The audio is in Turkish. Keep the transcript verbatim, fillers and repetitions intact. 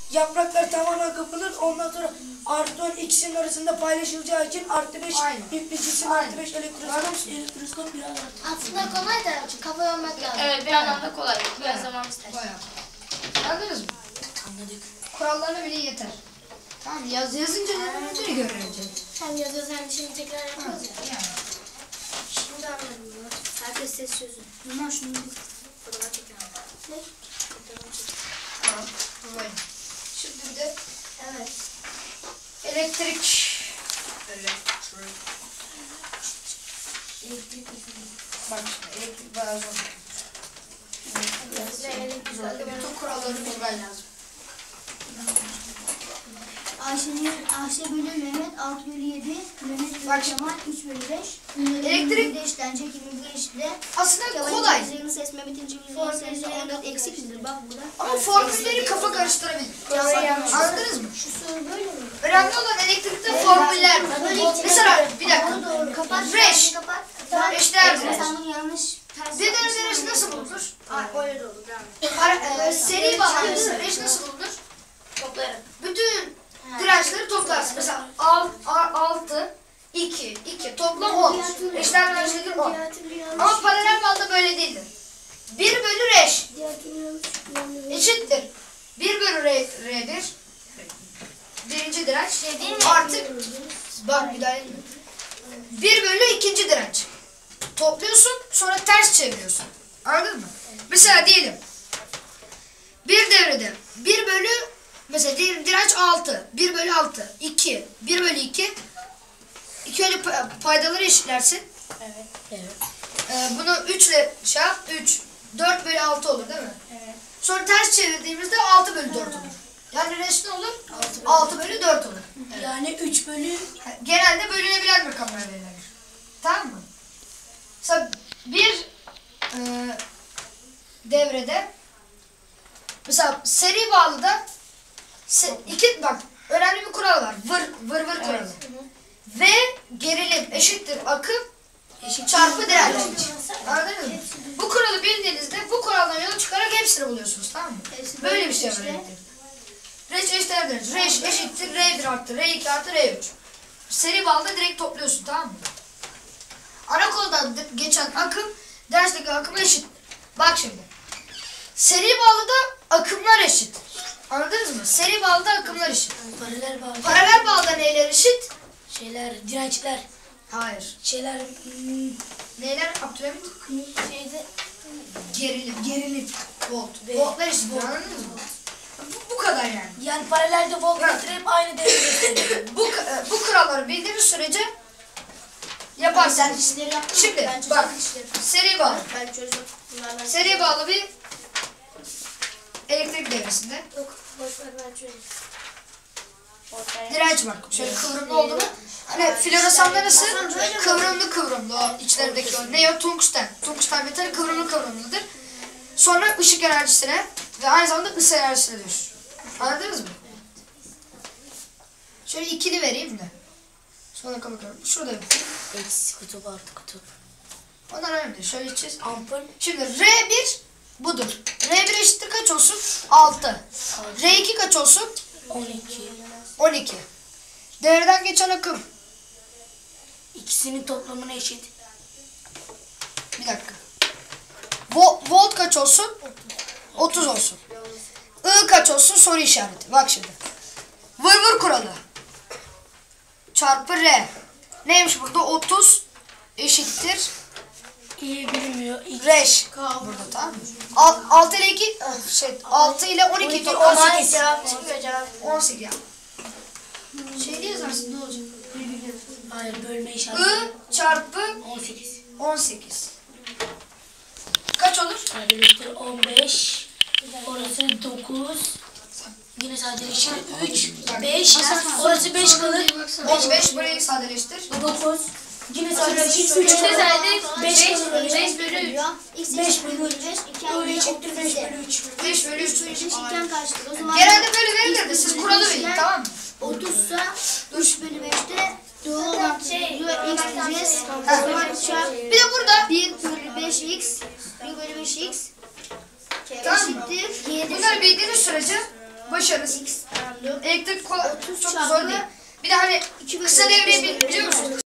yapraklar tamamen kapılır. Ondan sonra artı on ikisinin arasında paylaşılacağı için artı beş nükleotisin artı beş elektroskop elektroskop biraz artı. Aslında kolay da kafa yormak lazım. Evet, bir yandan da kolay. Biraz zaman ister. Bayağı. Anladınız mı? Anladık. Kurallarına bile yeter. Tamam, yaz yazınca ne olduğunu göreceğiz. Hem yazıyoruz hem de şimdi tekrar yapıyoruz ya. Yani. Şimdi anladım bunu. Herkes ses çözün. Ama şunu Fotoğraf tekrar. Ne? Fotoğraf çekin. Tamam. Böyle. Şimdi bir de Evet. elektrik. Elektrik Bak şimdi elektrik bayağı zor. ve elektrik. Bütün kuralları bilmen lazım. Ayşe'nin Ayşe bölü Mehmet altı bölü yedi, Mehmet bölü Bak şimdi. Kemal üç bölü beş. Elektrik- de eşlenecek yirmi bir eşitle. Aslında kolay. Kemal'in ses Mehmet'in cimriliğinin sesi on dört eksik midir? Bak burada. Ama formülleri kafa karıştırabilir. Anladınız mı? Şu soru böyle mi? Önemli olan elektrikte formüller. Mesela bir dakika. Doğru. Kapat. Reş. Kapat. Eşdeğer direnç. Sen bunu yanlış. Z'den direnç nasıl bulunur? Öyle de olur. Devam et. Ara- e, Seri bağlantısı reş nasıl bulunur? Toplayarak. Bütün dirençleri toplarsın. Mesela altı, iki, iki toplam on. Eşdeğer dirençleri on. Ama paralel bağda böyle değildir. bir bölü reş eşittir. bir bölü R, R1 birinci direnç artı bak bir daha bir bölü ikinci direnç. Topluyorsun sonra ters çeviriyorsun. Anladın mı? Mesela diyelim bir devrede bir bölü mesela diyelim direnç altı. bir bölü altı. iki. bir bölü iki. iki öyle paydaları eşitlersin. Evet. Evet. Ee, bunu üç ile şey yap. üç. dört bölü altı olur değil mi? Evet. Sonra ters çevirdiğimizde altı bölü dört olur. Yani reş ne olur? altı bölü dört olur. Yani üç bölü Genelde bölünebilen rakamlar verilir. Tamam mı? Mesela bir e, devrede mesela seri bağlıda se, iki bak önemli bir kural var. Vır vır vır kuralı. V gerilim eşittir akım eşit çarpı direnç. Anladınız mı? Bu kuralı bildiğinizde bu kuraldan yola çıkarak hepsini buluyorsunuz, tamam mı? Böyle bir şey var elektrikte. Reş eşdeğer direnç. Reş eşittir R bir artı R iki artı R üç. Seri bağlıda direkt topluyorsun, tamam mı? Ana koldan geçen akım dersteki akıma eşit. Bak şimdi. Seri bağlıda akımlar eşit. Anladınız mı? Seri bağlıda akımlar eşit. paralel bağlı Paralel bağlıda neyler eşit? şeyler, dirençler, Hayır. şeyler hmm, Neyler? Abdülhamit? Şeyde Gerilim. Gerilim. Volt. Voltlar eşit. Anladınız mı? Bu, bu kadar yani. yani paralelde voltmetre hep aynı değeri gösteriyor. Bu, e, bu kuralları bildiğiniz sürece yaparsın. sen işleri yaptın. Şimdi Ben çözdüm bak. işleri. Seri bağlı. Ben çözdüm. Bunlardan Seri bağlı bir elektrik devresinde yok. Boş ver ben çözdüm. Boş ver. direnç var. Şöyle kıvrımlı olduğunu. Hani floresanlar nasıl? Kıvrımlı kıvrımlı o içlerindeki o. Ne o? Tungsten. Tungsten metali kıvrımlı kıvrımlıdır. Sonra ışık enerjisine ve aynı zamanda ısı enerjisine dönüşür. Anladınız mı? Şöyle ikili vereyim de. Sonra kapatıyorum. Şurada yok. Eksi kutup artı kutup. Onlar önemli değil. Şöyle içeceğiz. Ampul Şimdi R bir budur. R bir eşittir kaç olsun? altı. R iki kaç olsun? on iki. on iki. Devreden geçen akım. İkisinin toplamına eşit. Bir dakika. Vo volt kaç olsun? otuz olsun. I kaç olsun? Soru işareti. Bak şimdi. Vır vır kuralı. Çarpı R. Neymiş burada? otuz eşittir. İyi bilinmiyor. İki. Reş. Burada, tamam mı? altı ile iki şey altı ile on iki toplam on sekiz. Cevap çıkmıyor cevap. on sekiz ya. Şey diye yazarsın ne olacak? Hayır, bölme işareti. I çarpı on sekiz. on sekiz. Kaç olur? Sadeleştir on beş. Orası dokuz. Yine sadeleştir üç. beş. Orası beş kalır. on beş burayı sadeleştir. dokuz. Yine sadeleştir üç Üçte kalır. sadece beş beş kalır. beş bölü üç. X beş eşittir bölü üç. beş, iki I artı eşittir beş otuz bölü üç. beş bölü üç. Eşitken kaçtır? O zaman Genelde böyle verilirdi. Siz kuralı bilin, tamam mı? otuzsa üç bölü beşte doğru olan Şey, buluyor x diyeceğiz. O Ha. zaman çarp Bir de burada bir bölü beş x bir bölü beş x tamam mı? eşittir yedi. Bunları bildiğiniz sürece başarınız. Elektrik kolay, çok zor değil. Bir de hani kısa devreyi bil- biliyor musunuz?